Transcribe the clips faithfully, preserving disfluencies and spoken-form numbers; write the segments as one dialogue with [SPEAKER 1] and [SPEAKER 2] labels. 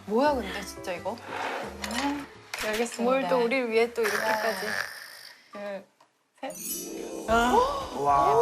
[SPEAKER 1] 뭐야 근데 진짜 이거?
[SPEAKER 2] 네, 알겠습니다.
[SPEAKER 1] 뭘 또 우리를 위해 또 이렇게까지.
[SPEAKER 2] 둘, 셋.
[SPEAKER 3] 와.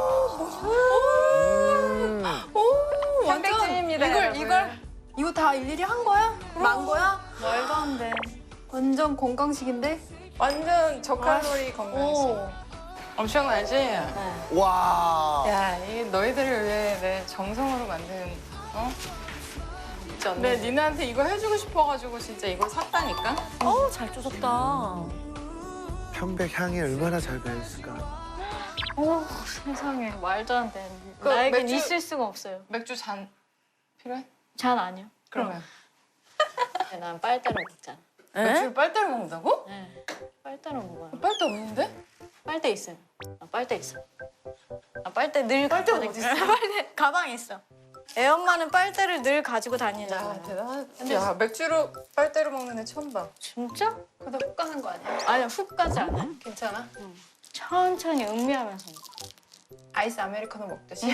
[SPEAKER 1] 오 완전
[SPEAKER 2] 편백찜입니다,
[SPEAKER 1] 이걸
[SPEAKER 2] 여러분.
[SPEAKER 1] 이걸 이거 다 일일이 한 거야? 만 거야?
[SPEAKER 2] 말도 안 돼.
[SPEAKER 1] 완전 건강식인데?
[SPEAKER 2] 완전 저칼로리 건강식.
[SPEAKER 1] 오.
[SPEAKER 2] 엄청나지?
[SPEAKER 3] 와.
[SPEAKER 2] 야, 이게 너희들을 위해 내 정성으로 만든, 어?
[SPEAKER 1] 진짜 언니.
[SPEAKER 2] 내 니네한테 이거 해주고 싶어가지고 진짜 이걸 샀다니까?
[SPEAKER 4] 어우, 잘 쪼셨다.
[SPEAKER 3] 편백 향이 얼마나 잘 배었을까.
[SPEAKER 4] 오, 세상에. 말도 안 돼.
[SPEAKER 2] 그
[SPEAKER 4] 나에겐
[SPEAKER 2] 맥주-
[SPEAKER 4] 있을 수가 없어요.
[SPEAKER 2] 맥주 잔 필요해?
[SPEAKER 4] 잔 아니요.
[SPEAKER 2] 그러면.
[SPEAKER 4] 난 빨대로 먹잖아.
[SPEAKER 2] 맥주를 빨대로 먹는다고?
[SPEAKER 4] 네. 빨대로 먹어요.
[SPEAKER 2] 빨대 없는데?
[SPEAKER 4] 빨대 있어요. 아, 빨대 있어. 아, 빨대 늘
[SPEAKER 2] 빨대가
[SPEAKER 4] 가지고
[SPEAKER 2] 어디
[SPEAKER 4] 다니-
[SPEAKER 2] 있어?
[SPEAKER 4] 빨대 가방에 있어. 애 엄마는 빨대를 늘 가지고 다니잖아.
[SPEAKER 2] 야, 대단하다. 야, 맥주로 빨대로 먹는 애 처음 봐.
[SPEAKER 4] 진짜?
[SPEAKER 1] 그러다 훅 가는 거 아니야?
[SPEAKER 4] 아니야, 훅 가지 않아.
[SPEAKER 1] 괜찮아?
[SPEAKER 4] 천천히 음미하면서 먹어.
[SPEAKER 1] 아이스 아메리카노 먹듯이.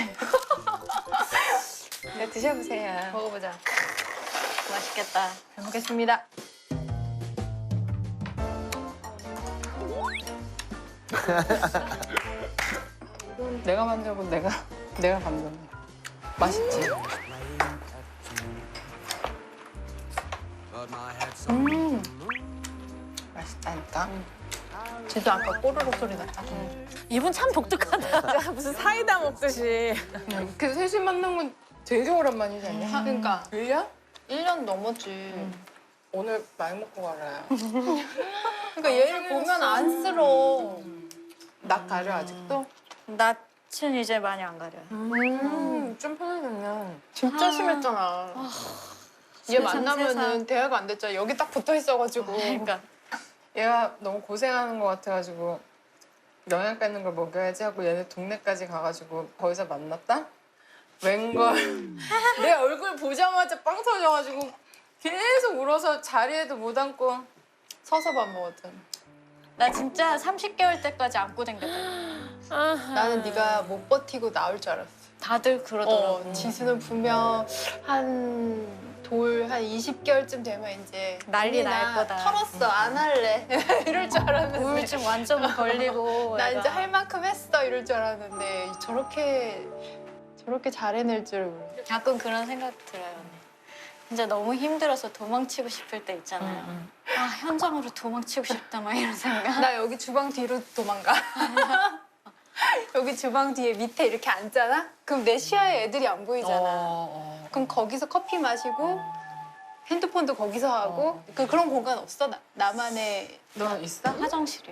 [SPEAKER 2] 네, 드셔보세요.
[SPEAKER 1] 먹어보자.
[SPEAKER 4] 맛있겠다.
[SPEAKER 1] 잘 먹겠습니다.
[SPEAKER 2] 내가 만들고 내가 내가 감독해. 맛있지? 음, 맛있다니까.
[SPEAKER 1] 진짜 아까 꼬르륵 소리 났다.
[SPEAKER 4] 이분 참 독특하다.
[SPEAKER 2] 무슨 사이다 먹듯이. 그 셋이 만난 건 되게 오랜만이지 않냐? 한
[SPEAKER 1] 그러니까
[SPEAKER 2] 일 년?
[SPEAKER 1] 일 년 넘었지.
[SPEAKER 2] 오늘 많이 먹고 가라.
[SPEAKER 1] 그러니까 얘를 보면 안쓰러워.
[SPEAKER 2] 낯 가려 아직도?
[SPEAKER 4] 낯은 이제 많이 안 가려요.
[SPEAKER 2] 음, 좀 편해졌네.
[SPEAKER 1] 진짜 심했잖아. 얘
[SPEAKER 4] 세상,
[SPEAKER 1] 만나면은
[SPEAKER 4] 세상.
[SPEAKER 1] 대화가 안 됐잖아. 여기 딱 붙어 있어가지고.
[SPEAKER 4] 그러니까
[SPEAKER 2] 얘가 너무 고생하는 것 같아가지고 영양가 있는 걸 먹여야지 하고 얘네 동네까지 가가지고 거기서 만났다? 웬걸 내 얼굴 보자마자 빵 터져가지고 계속 울어서 자리에도 못 앉고 서서 밥 먹었잖아.
[SPEAKER 4] 나 진짜 삼십 개월 때까지 안고 댕겼다.
[SPEAKER 1] 나는 네가 못 버티고 나올 줄 알았어.
[SPEAKER 4] 다들 그러더라고.
[SPEAKER 1] 어, 지수는 분명 한 돌 한 이십 개월쯤 되면 이제
[SPEAKER 4] 난리
[SPEAKER 1] 언니,
[SPEAKER 4] 날
[SPEAKER 1] 나
[SPEAKER 4] 거다.
[SPEAKER 1] 털었어 안 할래 이럴 줄 알았는데
[SPEAKER 4] 우울증 완전 걸리고.
[SPEAKER 1] 나
[SPEAKER 4] 애가.
[SPEAKER 1] 이제 할 만큼 했어 이럴 줄 알았는데 저렇게 저렇게 잘 해낼 줄 몰라.
[SPEAKER 4] 가끔 그런 생각 들어요. 언니. 진짜 너무 힘들어서 도망치고 싶을 때 있잖아요. 아, 현장으로 도망치고 싶다 막 이런 생각.
[SPEAKER 1] 나 여기 주방 뒤로 도망가. 여기 주방 뒤에 밑에 이렇게 앉잖아? 그럼 내 시야에 애들이 안 보이잖아.
[SPEAKER 2] 어,
[SPEAKER 1] 그럼 거기서 커피 마시고 핸드폰도 거기서 하고 그 그런 공간 없어? 나, 나만의
[SPEAKER 2] 너 있어?
[SPEAKER 4] 화장실이요.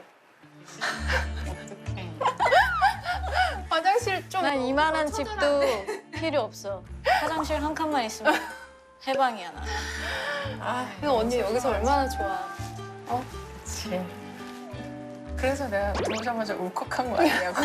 [SPEAKER 2] 어떡해.
[SPEAKER 1] 화장실 좀
[SPEAKER 4] 난 이만한 집도
[SPEAKER 1] 처절한데?
[SPEAKER 4] 필요 없어. 화장실 한 칸만 있으면 해방이야 나.
[SPEAKER 2] 아,
[SPEAKER 1] 이거 언니 여기서 얼마나 좋아.
[SPEAKER 2] 그치. 그래서 내가 들어오자마자 울컥한 거 아니냐고.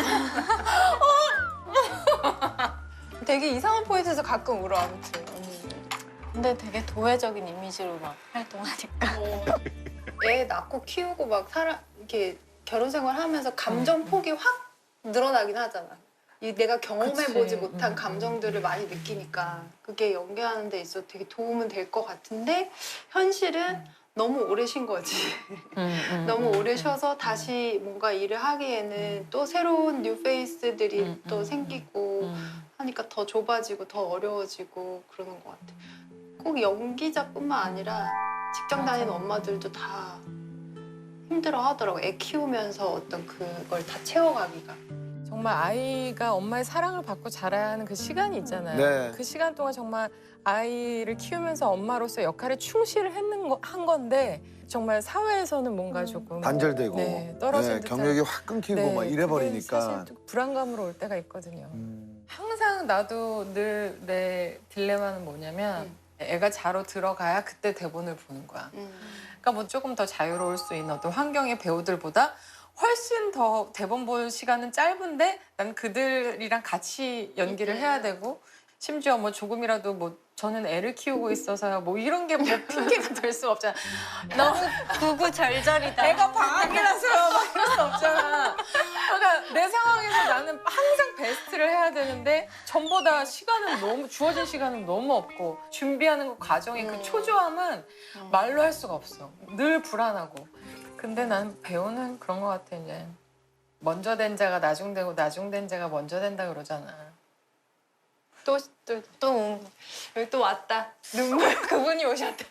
[SPEAKER 1] 되게 이상한 포인트에서 가끔 울어 아무튼 언니는.
[SPEAKER 4] 근데 되게 도회적인 이미지로 막 활동하니까.
[SPEAKER 1] 어, 애 낳고 키우고 막 살아 이렇게 결혼 생활하면서 감정 폭이 확 늘어나긴 하잖아. 이 내가 경험해보지
[SPEAKER 2] 그치.
[SPEAKER 1] 못한
[SPEAKER 2] 음,
[SPEAKER 1] 감정들을 많이 느끼니까 그게 연기하는 데 있어 되게 도움은 될 것 같은데 현실은 너무 오래 쉰 거지.
[SPEAKER 2] 음,
[SPEAKER 1] 너무 오래 쉬어서 다시 뭔가 일을 하기에는 또 새로운 뉴 페이스들이
[SPEAKER 2] 음,
[SPEAKER 1] 또
[SPEAKER 2] 음,
[SPEAKER 1] 생기고
[SPEAKER 2] 음.
[SPEAKER 1] 하니까 더 좁아지고 더 어려워지고 그러는 것 같아. 꼭 연기자뿐만 아니라 직장 다니는
[SPEAKER 2] 맞아.
[SPEAKER 1] 엄마들도 다 힘들어 하더라고. 애 키우면서 어떤 그걸 다 채워가기가.
[SPEAKER 2] 정말 아이가 엄마의 사랑을 받고 자라야 하는 그 시간이 있잖아요.
[SPEAKER 3] 네.
[SPEAKER 2] 그 시간 동안 정말 아이를 키우면서 엄마로서 역할에 충실했는 거, 한 건데 정말 사회에서는 뭔가 조금
[SPEAKER 3] 단절되고
[SPEAKER 2] 네, 떨어진
[SPEAKER 3] 네,
[SPEAKER 2] 듯한
[SPEAKER 3] 경력이 확 끊기고
[SPEAKER 2] 네,
[SPEAKER 3] 막
[SPEAKER 2] 그게
[SPEAKER 3] 이래버리니까.
[SPEAKER 2] 사실 좀 불안감으로 올 때가 있거든요.
[SPEAKER 3] 음.
[SPEAKER 2] 항상 나도 늘 내 딜레마는 뭐냐면
[SPEAKER 1] 음.
[SPEAKER 2] 애가 자러 들어가야 그때 대본을 보는 거야. 그러니까 뭐 조금 더 자유로울 수 있는 어떤 환경의 배우들보다 훨씬 더 대본 볼 시간은 짧은데 난 그들이랑 같이 연기를 해야 되고 심지어 뭐 조금이라도 뭐 저는 애를 키우고 있어서요. 뭐 이런 게 뭐 핑계가 될 수 없잖아.
[SPEAKER 4] 너무 구구절절이다.
[SPEAKER 2] 애가 방학이라서요. 막 이럴 수 없잖아. 그러니까 내 상황에서 나는 항상 베스트를 해야 되는데 전보다 시간은 너무 주어진 시간은 너무 없고 준비하는 그 과정의 그 초조함은 말로 할 수가 없어. 늘 불안하고. 근데 나는 배우는 그런 것 같아 이제. 먼저 된 자가 나중되고 나중된 자가 먼저 된다 그러잖아.
[SPEAKER 1] 또, 또, 또, 여기 또 왔다. 눈물, 그분이 오셨다.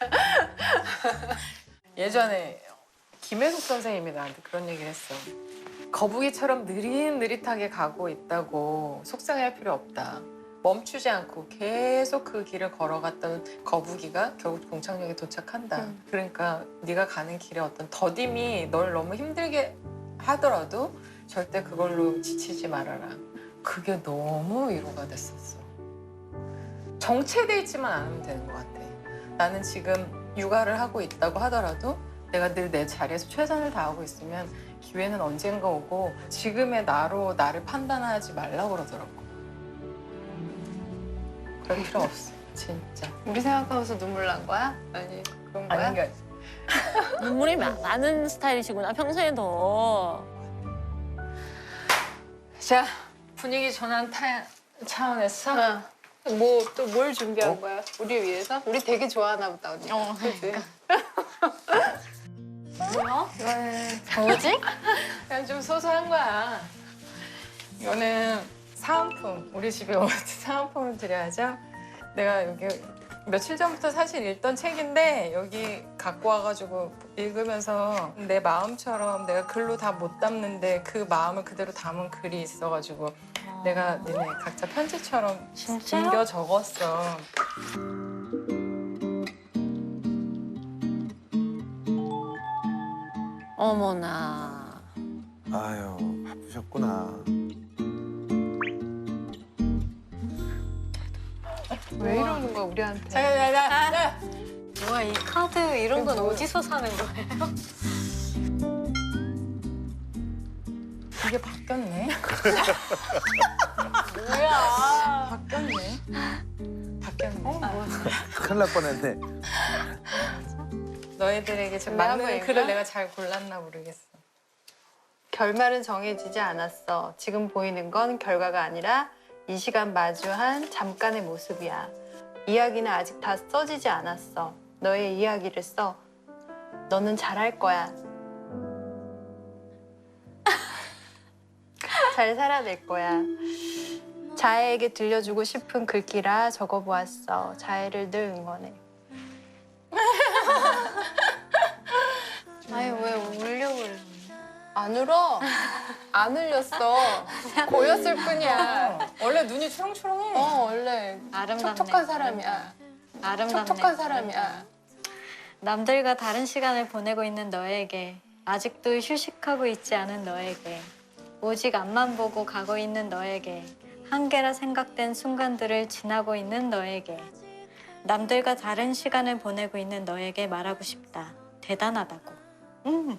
[SPEAKER 2] 예전에 김혜숙 선생님이 나한테 그런 얘기를 했어. 거북이처럼 느릿느릿하게 가고 있다고 속상해할 필요 없다. 멈추지 않고 계속 그 길을 걸어갔던 거북이가 결국 종착역에 도착한다.
[SPEAKER 1] 음.
[SPEAKER 2] 그러니까 네가 가는 길에 어떤 더딤이 널 너무 힘들게 하더라도 절대 그걸로 지치지 말아라. 그게 너무 위로가 됐었어. 정체돼 있지만 않으면 되는 것 같아. 나는 지금 육아를 하고 있다고 하더라도 내가 늘 내 자리에서 최선을 다하고 있으면 기회는 언젠가 오고 지금의 나로 나를 판단하지 말라고 그러더라고. 그럴 필요 없어, 진짜.
[SPEAKER 1] 우리 생각하면서 눈물 난 거야? 아니, 그런 거야?
[SPEAKER 2] 아니, 그러니까
[SPEAKER 5] 눈물이 마- 많은 스타일이시구나, 평소에 더.
[SPEAKER 2] 자, 분위기 전환 타, 차원에서
[SPEAKER 1] 어. 뭐, 또 뭘 준비한 거야? 우리 위해서? 우리 되게 좋아하나 보다, 언니.
[SPEAKER 4] 어,
[SPEAKER 1] 그치?
[SPEAKER 4] 뭐야?
[SPEAKER 2] 이거는
[SPEAKER 4] 뭐지?
[SPEAKER 2] 그냥 좀 소소한 거야. 이거는 사은품. 우리 집에 올 때 사은품을 드려야죠. 내가 여기 며칠 전부터 사실 읽던 책인데 여기 갖고 와가지고 읽으면서 내 마음처럼 내가 글로 다 못 담는데 그 마음을 그대로 담은 글이 있어가지고 내가 니네 각자 편지처럼
[SPEAKER 4] 진짜요?
[SPEAKER 2] 옮겨 적었어.
[SPEAKER 5] 어머나.
[SPEAKER 3] 아유, 바쁘셨구나.
[SPEAKER 1] 왜 이러는 거야, 우리한테?
[SPEAKER 2] 자자자자.
[SPEAKER 4] 뭐야, 이 카드 이런 건 어디서 사는 거예요?
[SPEAKER 2] 이게 바뀌었네.
[SPEAKER 1] 뭐야?
[SPEAKER 2] 바뀌었네. 바뀌었네.
[SPEAKER 3] 큰일 날 뻔했네.
[SPEAKER 2] 너희들에게 지금
[SPEAKER 1] 내가
[SPEAKER 2] 맞는
[SPEAKER 1] 뭐인가?
[SPEAKER 2] 글을 내가 잘 골랐나 모르겠어.
[SPEAKER 1] 결말은 정해지지 않았어. 지금 보이는 건 결과가 아니라 이 시간 마주한 잠깐의 모습이야. 이야기는 아직 다 써지지 않았어. 너의 이야기를 써. 너는 잘할 거야. 잘 살아낼 거야. 자해에게 들려주고 싶은 글귀라 적어보았어. 자해를 늘 응원해.
[SPEAKER 4] 아니, 왜 울려고 그래?
[SPEAKER 1] 안 울어. 안 울렸어. 고였을 뿐이야.
[SPEAKER 2] 원래 눈이 초롱초롱해.
[SPEAKER 1] 어, 원래
[SPEAKER 4] 아름답네.
[SPEAKER 1] 촉촉한 사람이야.
[SPEAKER 4] 아름답네.
[SPEAKER 1] 촉촉한 사람이야.
[SPEAKER 4] 남들과 다른 시간을 보내고 있는 너에게, 아직도 휴식하고 있지 않은 너에게, 오직 앞만 보고 가고 있는 너에게, 한계라 생각된 순간들을 지나고 있는 너에게, 남들과 다른 시간을 보내고 있는 너에게 말하고 싶다. 대단하다고. 음.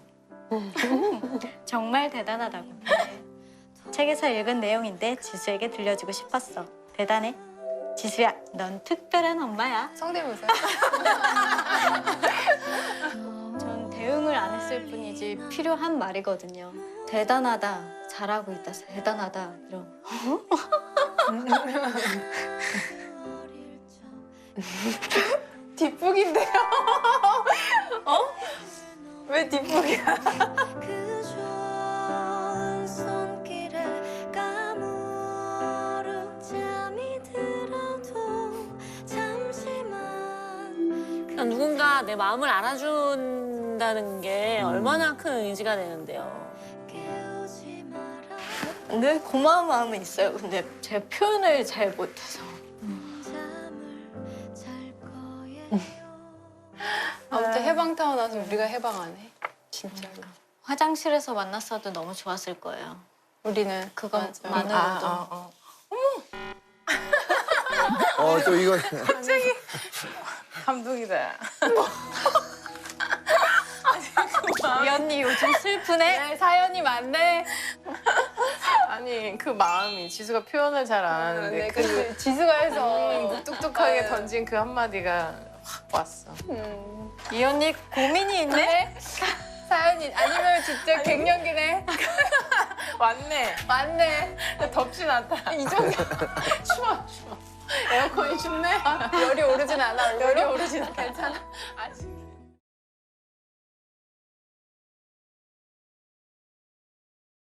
[SPEAKER 4] 정말 대단하다고. 책에서 읽은 내용인데 지수에게 들려주고 싶었어. 대단해. 지수야, 넌 특별한 엄마야.
[SPEAKER 1] 성대모사.
[SPEAKER 4] 전 대응을 안 했을 뿐이지 필요한 말이거든요. 대단하다, 잘하고 있다, 대단하다 이런.
[SPEAKER 1] 뒷북인데요? 어? 왜 뒷북이야?
[SPEAKER 6] 그 좋은 손길에 까무룩 잠이 들어도 잠시만
[SPEAKER 5] 그러니까 누군가 내 마음을 알아준다는 게 얼마나 큰 의지가 되는데요.
[SPEAKER 6] 깨우지 마라
[SPEAKER 4] 늘 고마운 마음은 있어요. 근데 제 표현을 잘 못해서.
[SPEAKER 6] 잠을 잘 거예요
[SPEAKER 1] 아무튼 해방 타고 나서 우리가 해방하네. 진짜로.
[SPEAKER 4] 화장실에서 만났어도 너무 좋았을 거예요.
[SPEAKER 1] 우리는
[SPEAKER 4] 그건
[SPEAKER 1] 맞아.
[SPEAKER 4] 많은-
[SPEAKER 2] 아, 아, 어.
[SPEAKER 3] 어, 또 이거.
[SPEAKER 2] 감동이다.
[SPEAKER 4] 이 언니 요즘 슬프네?
[SPEAKER 1] 네, 사연이 많네.
[SPEAKER 2] 아니 그 마음이 지수가 표현을 잘 안 하는데
[SPEAKER 1] 네,
[SPEAKER 2] 그
[SPEAKER 1] 그 지수가 해서
[SPEAKER 2] 묵뚝뚝하게
[SPEAKER 1] 네.
[SPEAKER 2] 던진 그 한마디가 확 왔어.
[SPEAKER 4] 이 언니 고민이 있네?
[SPEAKER 1] 사연이 아니면 진짜 갱년기네.
[SPEAKER 2] 왔네.
[SPEAKER 1] 맞네.
[SPEAKER 2] 덥진 않다.
[SPEAKER 1] 이 정도
[SPEAKER 2] 추워 추워. 에어컨이 춥네.
[SPEAKER 1] 열이 오르진 않아.
[SPEAKER 2] 열이 오르진 않아.
[SPEAKER 1] 괜찮아.
[SPEAKER 2] 아직.